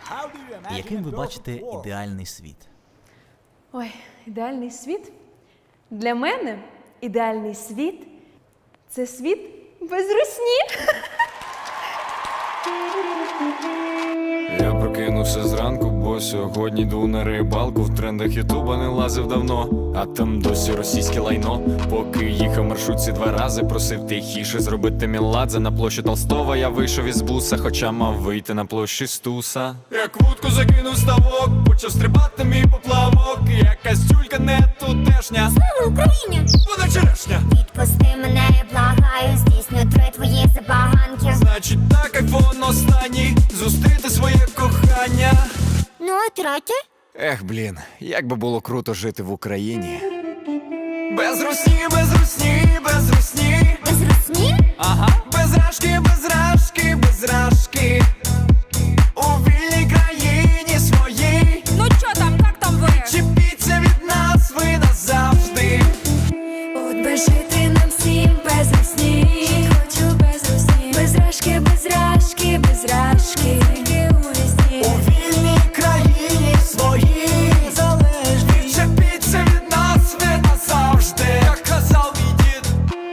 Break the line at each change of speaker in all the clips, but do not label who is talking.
Яким ви бачите ідеальний світ?
Ой, ідеальний світ? Для мене ідеальний світ – це світ без русні.
Я прокинувся зранку, бо сьогодні йду на рибалку. В трендах ютуба не лазив давно, а там досі російське лайно. Поки їхав маршрутці 2 рази, просив тихіше зробити меладзе. На площі Толстого я вийшов із буса, хоча мав вийти на площі Стуса. Як вудку закинув ставок, почав стрибати мій поплавок. Якась тюлька не тутешня.
Слава Україні!
Вона черешня.
Відпусти мене, я благаю, здійсню 3 твої забаганки.
Значить так, айфон останній, зустріти своє кохання.
Ну, а третє?
Ех, блін, як би було круто жити в Україні. Без русні, без русні, без русні.
Без русні?
Ага. Без рашки, без рашки, без рашки. У вільній країні своїй.
Ну чо там, як там ви?
Чіпіться від нас ви назавжди.
От би жити нам всім без русні. Хочу без русні. Без рашки, без рашки, без рашки. Тільки у вісні.
У вільній країні своїй. Залежні. Чіпіться від нас ви назавжди. Як казав мій дід.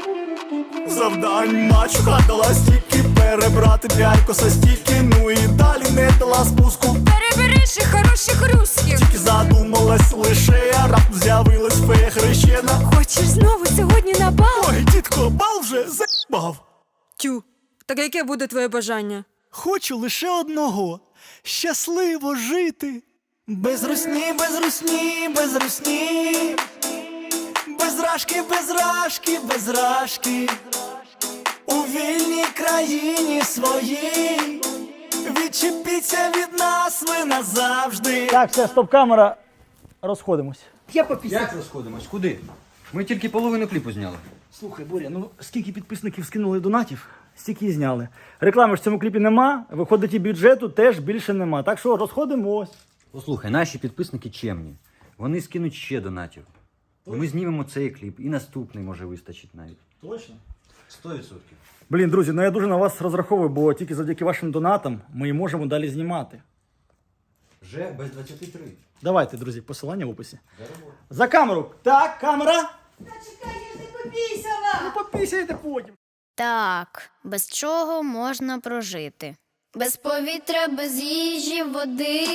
Завдань мачуха дала стільки, перебрати 5 коса стільки, ну і далі не дала спуску.
Перебери ще хороших русських.
Тільки задумалась лише, а раптом з'явилась фея хрещена.
Хочеш знову сьогодні на бал?
Ой, дідко, бал вже за***бав.
Тю, так яке буде твоє бажання?
Хочу лише одного – щасливо жити. Без русні, без русні, без русні. Без рашки, без рашки, без рашки. У вільній країні своїй. Відчепіться від нас ви назавжди.
Так, все, стоп-камера. Розходимось.
Як розходимось? Куди? Ми тільки половину кліпу зняли.
Слухай, Боря, ну скільки підписників скинули донатів, стільки і зняли. Реклами ж в цьому кліпі нема, виходить і бюджету теж більше нема. Так що розходимось.
Послухай, наші підписники чемні. Вони скинуть ще донатів. І ми знімемо цей кліп, і наступний може вистачить навіть.
Точно?
100%.
Блін, друзі, ну я дуже на вас розраховую, бо тільки завдяки вашим донатам ми і можемо далі знімати.
Вже без 23.
Давайте, друзі, посилання в описі. За камеру. Так, камера.
Та чекай, я ж не попісяла!
Ну попісяйте потім.
Так, без чого можна прожити? Без повітря, без їжі, води.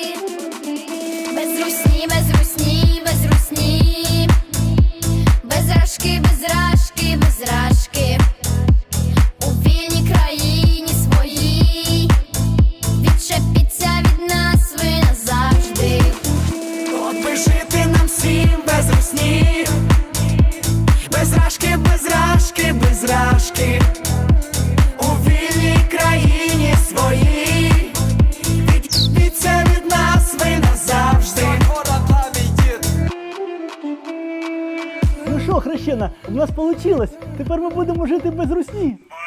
Без русні, без русні, без русні. Без рашки, без рашки, без рашки. У вільній країні своїй. Відчепіться від нас ви назавжди.
От би жити нам всім без русні. Без рашки, без рашки, без рашки. У вільній країні своїй. Відчепіться від нас ви назавжди.
Ну що, хрещена, у нас вийшло. Тепер ми будемо жити без русні.